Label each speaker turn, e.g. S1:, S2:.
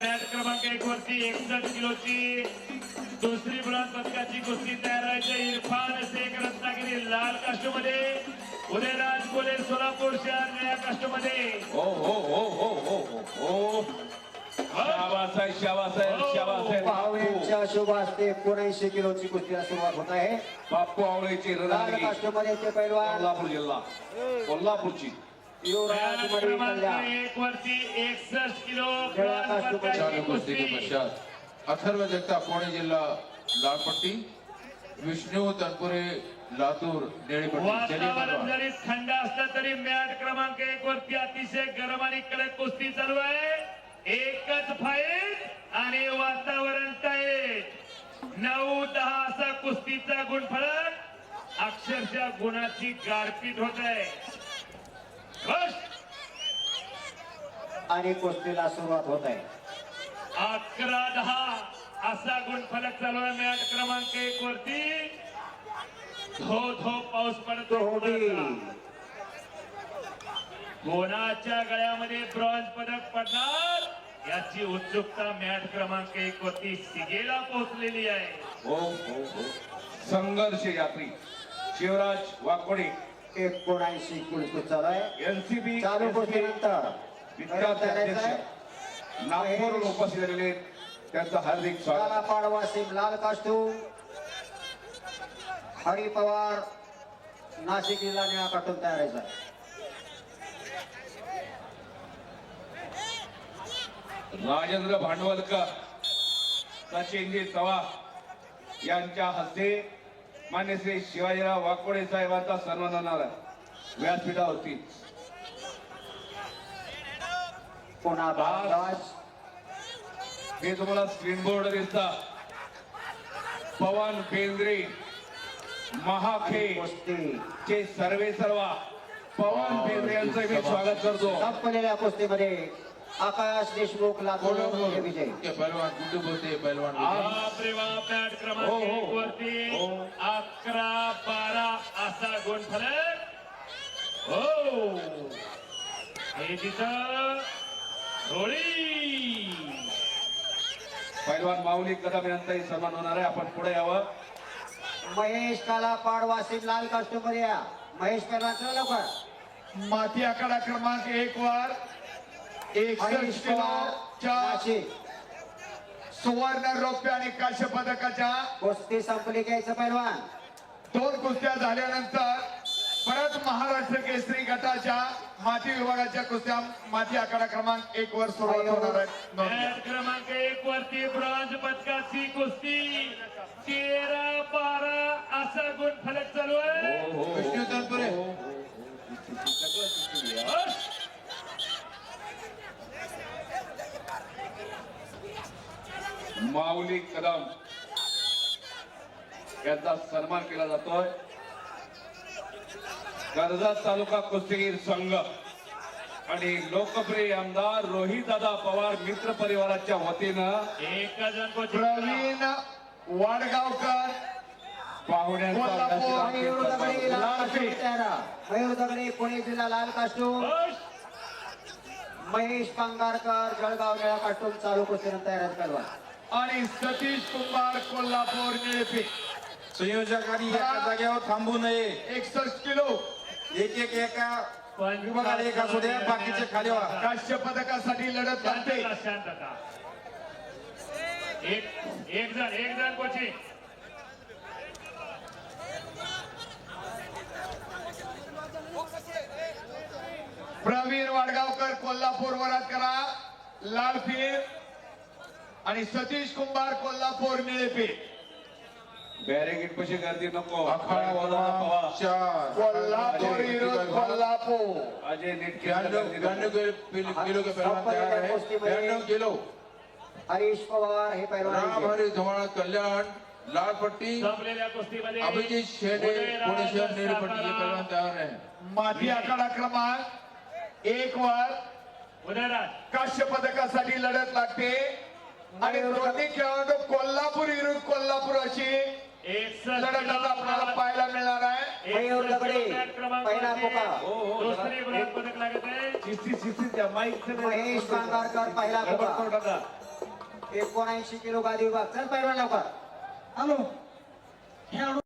S1: Match क्रमांक 1 वरती 61 किलोची दुसरी ब्रॉन्झ पदकाची कुस्ती तयार व्हायची. इरफान शेख रत्नागिरी लाल कास्टमध्ये, उदयराज कोले सोलापूर शहर निळ्या कास्टमध्ये.
S2: हो हो हो हो हो हो शाबास आहे, शाबास आहे, शाबास आहे.
S3: पाहुण्यांच्या शुभ हस्ते 79 किलोची कुस्तीला सुरुवात होत आहे.
S2: बाप्पू आवळेची
S3: लाल
S2: रत्नागिरी
S3: कास्टमध्ये ते पैलवान
S2: कोल्हापूर जिल्हा, कोल्हापूरची.
S3: युवराज
S1: मॅच
S3: मडी
S1: क्रमांक
S3: कल्याण.
S1: 1 वरती 61 किलो
S3: निळ्या
S1: ब्रॉन्झ
S3: कास्टमध्ये
S1: पदकाची
S4: चालू कुस्ती के
S1: कुस्ती.
S4: पश्चात अथर्व जगताप पुणे जिल्हा लालपट्टी, विष्णू तनपुरे लातूर निळीपट्टी.
S1: वातावरण जरी थंड असलं तरी मॅच क्रमांक 1 वरती अतिशय गरम आणि कडक कुस्ती चालू आहे. एकच फाईट आणि वातावरण टाईट. 9-10 असा कुस्तीचा गुणफलक, अक्षरशः गुणाची गारपीट होत आहे. बस.
S3: आणि कुस्तीला सुरुवात होत आहे.
S1: 11-10 असा गुणफलक चालू आहे मॅच क्रमांक 1 वरती. धो धो पाऊस पडतो.
S3: होडी.
S1: कोणाच्या गळ्यामध्ये ब्रॉन्झ पदक पडणार याची उत्सुकता मॅच क्रमांक 1 वरती सिगेला पोहोचलेली आहे.
S2: हो हो हो संघर्ष यात्री शिवराज वाकोडे
S3: 79 कुस्ती चालू आहे.
S2: एनसीबी
S3: चालू कुस्तीनंतर
S2: विद्यार्थी अध्यक्ष नागपूरहून उपस्थित झालेले आहेत. त्यांचं हार्दिक स्वागत.
S3: लाला पाडवासिम लाल कास्टूम, हरी पवार नाशिक जिल्हा निळा कास्टूम तयार आहे.
S2: राजेंद्र भांडवलकर, सचिनजी चव्हाण यांच्या हस्ते मान्य श्री शिवाजीराव वाकोडे साहेबांचा सन्मान होणार आहे व्यासपीठावरती.
S3: पुन्हा भारद्वाज.
S2: हे तुम्हाला स्क्रीन बोर्ड दिसता. पवन बेंद्रे महाखे
S3: कुस्ती
S2: चे सर्वा पवन बेंद्रे यांचं मी स्वागत करतो.
S3: संपलेल्या कुस्तीमध्ये आकाश देशमुख लातूर हे विजय.
S4: के पहलवान गुड्डू बोलते पहलवान विजय.
S1: बापरे बाप, मॅच क्रमांक
S2: हो, हो.
S1: 1 वरती
S2: हो.
S1: 11-12 असा गुणफलक. हो हे तिथं होळी.
S2: पहलवान माऊली कदम यांचाही सन्मान होणार आहे. आपण पुढे यावं.
S3: महेश काला पाडवासिम लाल कास्टूम मध्ये या. महेश पहलवान चला लवकर.
S5: माती आकडा क्रमांक 1 वर 61
S3: हरीश पवार
S5: किलोच्या
S3: नाशिक.
S5: सुवर्ण रौप्य आणि कांस्य पदकाच्या
S3: कुस्ती संपली घ्यायचं पहलवान.
S5: 2 कुस्त्या झाल्यानंतर परत महाराष्ट्र केसरी गटाच्या माती विभागाच्या कुस्त्या माती आकडा क्रमांक 1 वर सुरुवात होणार आहे. नोंद घ्या.
S1: मॅच क्रमांक 1 वरती ब्रॉन्झ पदकाची कुस्ती 13-12 असा गुणफलक चालू आहे.
S4: विष्णू तनपुरे
S1: बस.
S2: माऊली कदम यांचा सन्मान केला जातोय. कर्जत तालुका कुस्तीगीर संघ आणि लोकप्रिय आमदार रोहितदादा पवार मित्र परिवाराच्या वतीनं
S1: एक जण कोचिंग.
S5: प्रवीण वाडगावकर
S2: पाहुण्यांचा
S5: कोल्हापूर
S3: मयूर दगडे लाल
S5: लाल
S3: कास्टूम
S5: पीठ.
S3: तयार आहे. मयूर दगडे पुणे जिल्हा लाल कास्टूम.
S1: बस.
S3: महेश पांगारकर जळगाव निळा कास्टूम चालू कुस्तीनंतर तयार आहेत पहलवान.
S5: आणि सतीश कुंभार कोल्हापूर निळेपीठ.
S6: संयोजकांनी एका जागेवर थांबू नये.
S5: 61 किलो
S6: एका विभागाला एक असू द्या, बाकीचे खाली व्हा.
S5: कांस्य पदकासाठी लढत लागते.
S1: शांतता, शांतता. एक जण कोचिंग.
S5: प्रवीण वाडगावकर कोल्हापूर वरात करा लाल पीठ आणि सतीश कुंभार कोल्हापूर निळेपीठ.
S2: बॅरिगेट पशी गर्दी नको.
S4: अखाड़ा
S2: पवार,
S4: 4
S5: कोल्हापूर विरुद्ध कोल्हापूर.
S2: अजय नेटके
S4: 92 किलो के पहलवान तैयार है. 92 किलो.
S3: हरीश पवार हे
S4: राम
S3: पहलवान.
S4: हरी धुमाळ कल्याण लाल पट्टी.
S1: संपलेल्या कुस्तीमध्ये
S4: अभिजीत शेडे पुणे शहर नीली पट्टी ये पहलवान तैयार है.
S5: माती आखाडा क्रमांक 1 वर
S1: उदयराज
S5: कांस्य पदकासाठी लढत लागते आणि दोन्ही खेळाडू कोल्हापूर विरुद्ध कोल्हापूर अशी
S1: 61
S5: लढत आता आपल्याला पाहायला मिळणार आहे.
S3: मयूर दगडे पहिला पुकार.
S1: दुसरी ब्रॉन्झ पदक लागत आहे.
S2: शिस्ती द्या. माईक
S3: महेश पांगारकर पहिला पुकार. 79 किलो गादी विभाग चल पहिलवान लवकर
S7: हॅलो